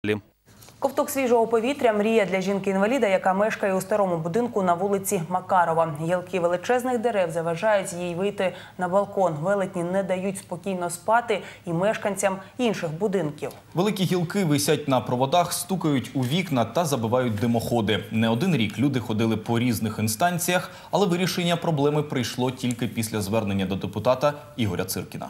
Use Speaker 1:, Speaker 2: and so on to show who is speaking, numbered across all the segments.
Speaker 1: Ковток свіжого повітря – мрія для жінки-інваліда, яка мешкає у старому будинку на вулиці Макарова. Гілки величезних дерев заважають їй вийти на балкон. Велетні не дають спокійно спати і мешканцям інших будинків.
Speaker 2: Великі гілки висять на проводах, стукають у вікна та забивають димоходи. Не один рік люди ходили по різних інстанціях, але вирішення проблеми прийшло тільки після звернення до депутата Ігоря Циркіна.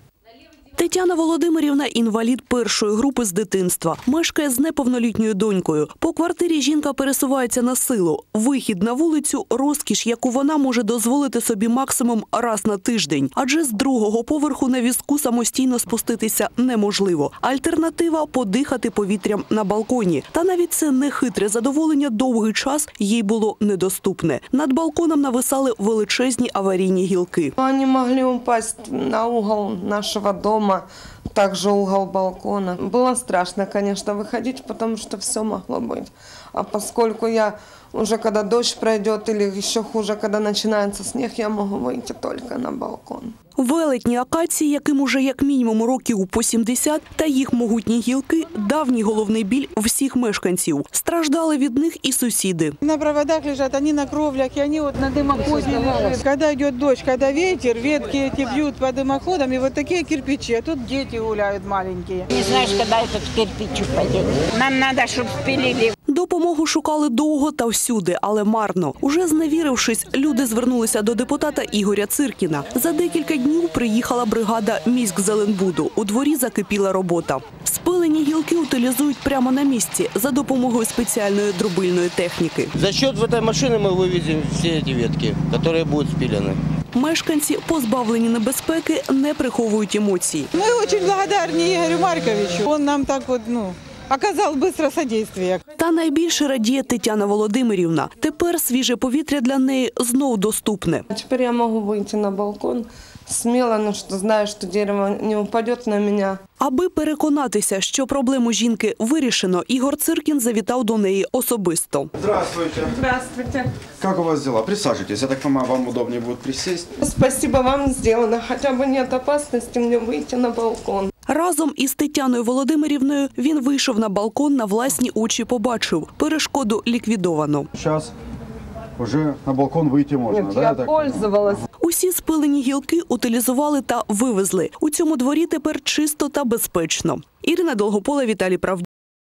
Speaker 3: Тетяна Володимирівна – інвалід першої групи з дитинства. Мешкає з неповнолітньою донькою. По квартирі жінка пересувається на силу. Вихід на вулицю – розкіш, яку вона може дозволити собі максимум раз на тиждень. Адже з другого поверху на візку самостійно спуститися неможливо. Альтернатива – подихати повітрям на балконі. Та навіть це нехитре задоволення довгий час їй було недоступне. Над балконом нависали величезні аварійні гілки.
Speaker 4: Вони могли упасть на угол нашого дому. Также угол балкона. Было страшно, конечно, выходить, потому что все могло быть. А поскольку я уже, когда дождь пройдет, или еще хуже, когда начинается снег, я могу выйти только на балкон.
Speaker 3: Велетні акації, яким уже як мінімум років по 70, та їх могутні гілки – давній головний біль всіх мешканців. Страждали від них і сусіди.
Speaker 5: На проводах лежат, они на кровлях, и они вот на дымоходе лежат. Когда идет дождь, когда ветер, ветки эти бьют по дымоходам, и вот такие кирпичи, а тут дети гуляют маленькие.
Speaker 6: Не знаешь, когда этот кирпич упадет. Нам надо, чтобы спилили.
Speaker 3: Допомогу шукали довго та всюди, але марно. Уже зневірившись, люди звернулися до депутата Ігоря Циркіна. За декілька днів приїхала бригада міськзеленбуду. У дворі закипіла робота. Спилені гілки утилізують прямо на місці за допомогою спеціальної дробильної техніки.
Speaker 7: За счет этой машины мы вывезем все эти ветки, которые будут спилены.
Speaker 3: Мешканці, позбавлені небезпеки, не приховують емоцій.
Speaker 5: Мы очень благодарны Игорю Марковичу. Он нам так вот, оказал быстро содействие.
Speaker 3: Та найбільше радіє Тетяна Володимирівна. Тепер свіже повітря для неї знов доступне.
Speaker 4: Теперь я могу выйти на балкон смело, но что знаю, что дерево не упадет на меня.
Speaker 3: Аби переконатися, що проблему жінки вирішено, Ігор Циркін завітав до неї особисто.
Speaker 8: Здравствуйте.
Speaker 4: Здравствуйте.
Speaker 8: Как у вас дела? Присаживайтесь. Я так понимаю, вам удобнее будет присесть.
Speaker 4: Спасибо вам сделано. Хотя бы нет опасности мне выйти на балкон.
Speaker 3: Разом із Тетяною Володимирівною він вийшов на балкон, на власні очі побачив. Перешкоду ліквідовано.
Speaker 8: Сейчас уже на балкон выйти можно,
Speaker 4: Нет,
Speaker 8: да?
Speaker 4: я пользовалась.
Speaker 3: Усі спилені гілки утилізували та вивезли. У цьому дворі тепер чисто та безпечно. Ірина Долгопола, Віталій Правдюк.